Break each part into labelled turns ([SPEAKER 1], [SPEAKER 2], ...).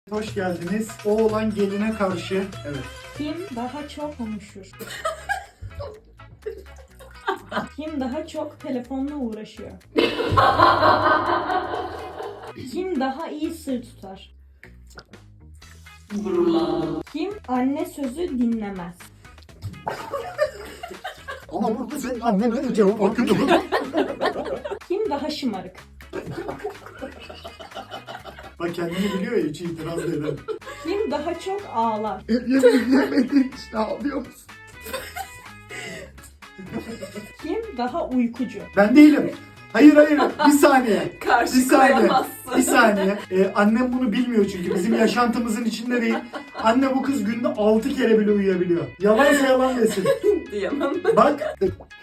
[SPEAKER 1] Hoş geldiniz. Oğlan geline karşı. Evet.
[SPEAKER 2] Kim daha çok konuşur? Kim daha çok telefonla uğraşıyor? Kim daha iyi sır tutar?
[SPEAKER 3] Gururlandım.
[SPEAKER 2] Kim anne sözü dinlemez?
[SPEAKER 1] Ama burada senin annen ne cevap hakkında.
[SPEAKER 2] Kim daha şımarık?
[SPEAKER 1] Bak kendini biliyor ya, hiç itiraz da eder.
[SPEAKER 2] Kim daha çok ağlar?
[SPEAKER 1] Yemediğin için ağlıyor musun?
[SPEAKER 2] Kim daha uykucu?
[SPEAKER 1] Ben değilim. Hayır. Bir saniye.
[SPEAKER 3] Karşı
[SPEAKER 1] Bir saniye.
[SPEAKER 3] koyamazsın.
[SPEAKER 1] Bir saniye. Annem bunu bilmiyor çünkü bizim yaşantımızın içinde değil. Anne bu kız günde 6 kere bile uyuyabiliyor. Yalansa yalan desin.
[SPEAKER 3] Diyemem.
[SPEAKER 1] Bak.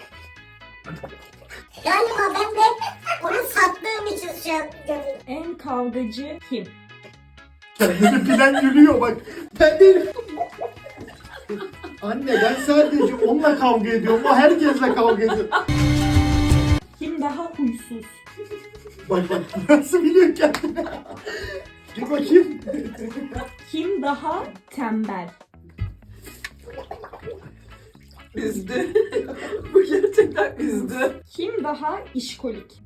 [SPEAKER 4] Galiba ben de onu sattığım için şu an görüyorum.
[SPEAKER 2] En kavgacı kim?
[SPEAKER 1] Kendini bilen gülüyor bak. Ben değilim. Anne ben sadece onunla kavga ediyorum. O herkesle kavga ediyor.
[SPEAKER 2] Kim daha huysuz?
[SPEAKER 1] Bak nasıl biliyor kendini. Dur bakayım.
[SPEAKER 2] Kim daha tembel?
[SPEAKER 3] Üzdü. Bu gerçekten üzdü.
[SPEAKER 2] Kim daha işkolik?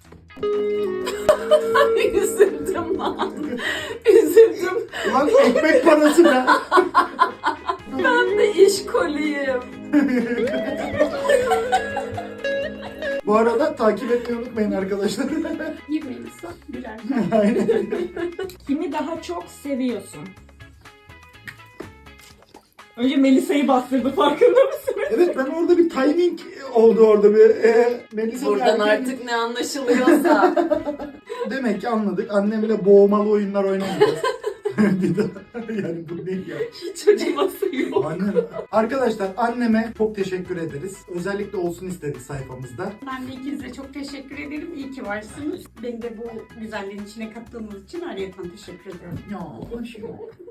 [SPEAKER 3] Üzüldüm lan. Üzüldüm.
[SPEAKER 1] Ulan ekmek parası be.
[SPEAKER 3] Ben de işkoliyim.
[SPEAKER 1] Bu arada takip etmeyi unutmayın arkadaşlar.
[SPEAKER 3] 20 insan birer.
[SPEAKER 1] Aynen.
[SPEAKER 2] Kimi daha çok seviyorsun? Önce Melisa'yı bastırdı, farkında mısınız?
[SPEAKER 1] Evet, ben orada bir timing oldu orada bir. Melisa
[SPEAKER 3] Buradan
[SPEAKER 1] erkeğin-
[SPEAKER 3] artık ne anlaşılıyorsa.
[SPEAKER 1] Demek ki anladık. Annemle boğmalı oyunlar oynamayacağız. Bir daha. Yani bu değil ya.
[SPEAKER 3] Hiç acıması yok.
[SPEAKER 1] Annem. Arkadaşlar anneme çok teşekkür ederiz. Özellikle olsun istedik sayfamızda.
[SPEAKER 5] Ben de ikinize çok teşekkür ederim. İyi ki varsınız. Beni de bu güzelliğin içine kattığınız için ayrıca teşekkür ediyorum.
[SPEAKER 1] Ya aşkım.